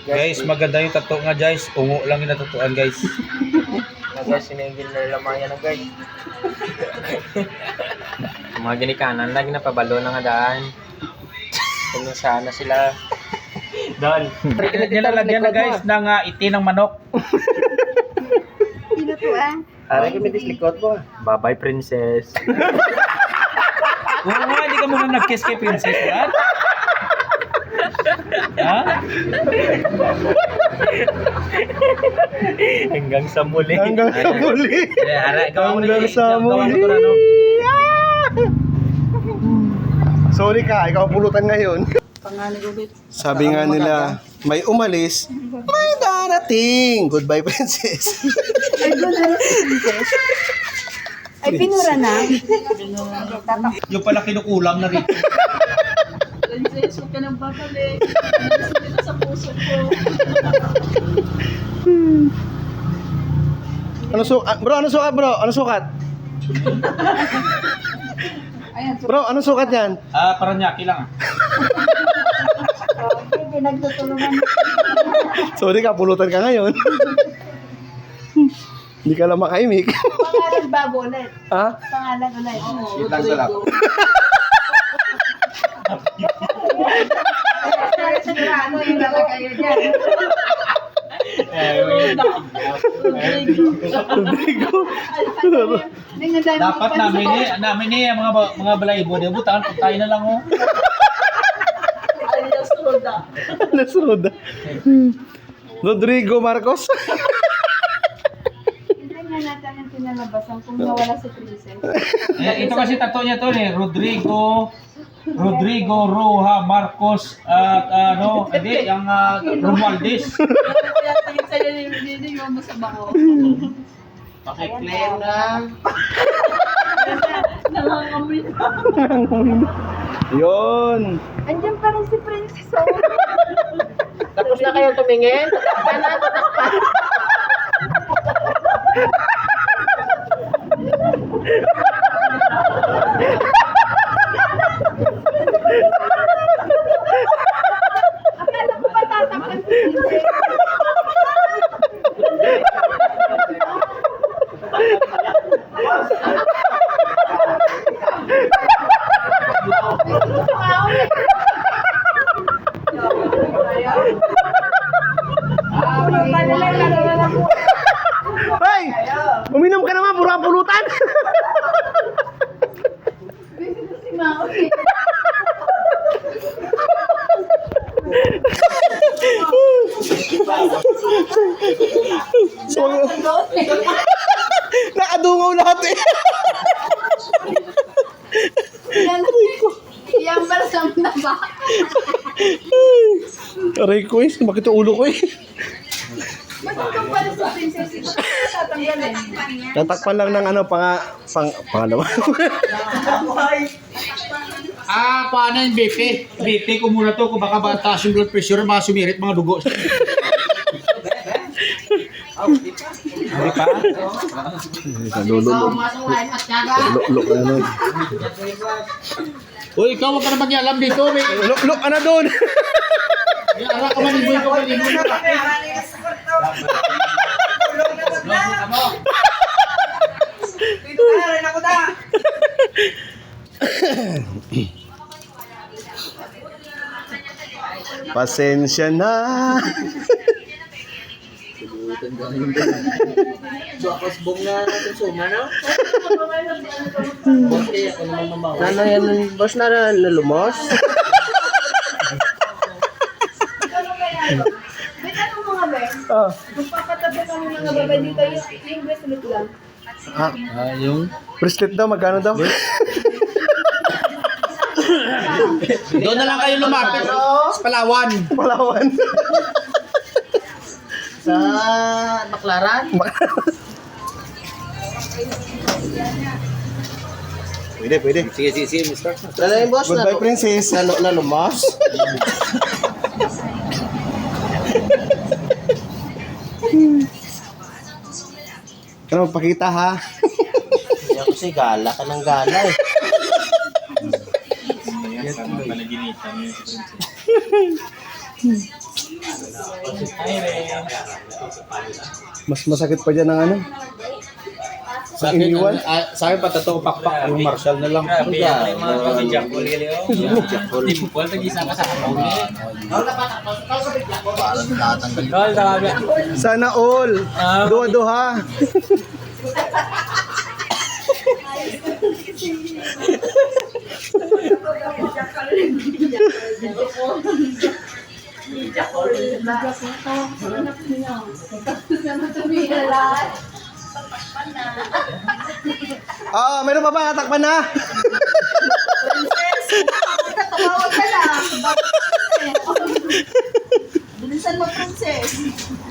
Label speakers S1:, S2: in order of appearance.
S1: Guys, maganda yung tattoo nga guys. Ungo lang yung natatuan guys.
S2: Guys, sinigil na lamang yan guys. Mga ginikanan, lagi na pabalo na nga daan. Kung sana sila. Dahil.
S1: Nilalagyan na guys ng iti ng manok.
S3: Sino to ah?
S2: Aray kami dislikot mo. Bye-bye, princess.
S1: Oo nga, hindi ka muna nag-kiss kay princess yan. Ha?
S2: Hanggang sa muli.
S4: Hanggang sa muli. Hanggang sa muli. Sorry ka, ikaw pulutan ngayon.
S3: Pangalan ulit.
S4: Sabi nga nila, may umalis, may darating. Goodbye, princess.
S3: Ay, doon na rin, princess. Ay, pinura na.
S1: Yung pala kinukulam na rin.
S3: Princess, huwag ka nang babalik. Nandito sa puso ko.
S4: Bro, ano sukat, bro? Ano sukat?
S3: Ayan, so,
S4: Bro, ano sukat yan?
S1: Paranaque lang.
S3: hindi nagtutulungan.
S4: Sorry ka, pulutan ka ngayon. Hindi ka lang makaimik.
S3: Pangalan bago ulit.
S4: Ha?
S3: Pangalan ulit.
S1: Lang sa lap.
S3: Sigurado yung lalagayo dyan.
S1: Dapat namin eh mga balaybo, debutan kung tayo na lang oh.
S4: Nasunod. Rodrigo Marcos.
S3: Hindi nga natin ang pinalabasan kung nawala si Princess.
S1: Ito kasi tattoo niya to eh, Rodrigo Roja Marcos at hindi yung Romualdez.
S3: Kaya tingin sa'yo yung masama ko.
S2: Pakiklaim na.
S3: Nangangamoy na.
S4: Yun.
S3: Andiyan pa rin si Princess. Oh.
S2: Tapos na kayong tumingin? Tatakpan na, tatakpan.
S3: Akala ko pa tatakpan si Princess.
S4: Hey! Uminom ka naman, pura pulutan.
S3: Si Maui.
S4: So, nakadungaw lahat eh.
S3: Yang bersama na ba?
S4: Aray ko eh, bakit yung ulo ko eh.
S3: Matutong pala si Princess. Tatanggalin.
S4: Tatakpan lang ng pangalawa.
S1: Paano yung BP? BP ko muna to kung baka taas yung blood pressure, mga sumirit, mga dugo. Hindi pa?
S4: Lulok na nun.
S1: Uy, ikaw wag ka na mag-ialam dito.
S4: Lulok ka na doon.
S1: Ara ka maniboy ko maniboy.
S4: Pasensya na.
S2: Bakos bong na natin suma, no? Ano yan, boss na lumos?
S3: May tanong mga Ben.
S4: Ah,
S3: Magpapatabi kami mga babae dito yung bracelet lang.
S1: Yung
S4: bracelet daw, magkano daw?
S1: doon na lang kayo lumapit sa Palawan.
S4: Palawan.
S2: Sa Baklaran?
S4: Pwede.
S1: Sige, mister.
S2: Ano yung boss na?
S4: Goodbye, princess.
S2: Na lumos?
S4: Ano, magpakita ha?
S2: Hindi ako kasi gala ka ng gala eh. Hi, Ren.
S4: Mas masakit pa dyan ng ano?
S1: Sa akin, sa akin patato ko pakpak yung Marshall na lang.
S2: Grabe, yan yung mga pag-jack ulit yun. Dimple, tag-isa ka sa akaw ulit. Tol, tawabi.
S4: Sana all. Duha-duha. Ah, meron pa ba? Natakpan na.
S3: Princess, tumawag ka na. Bilisan mo, princess.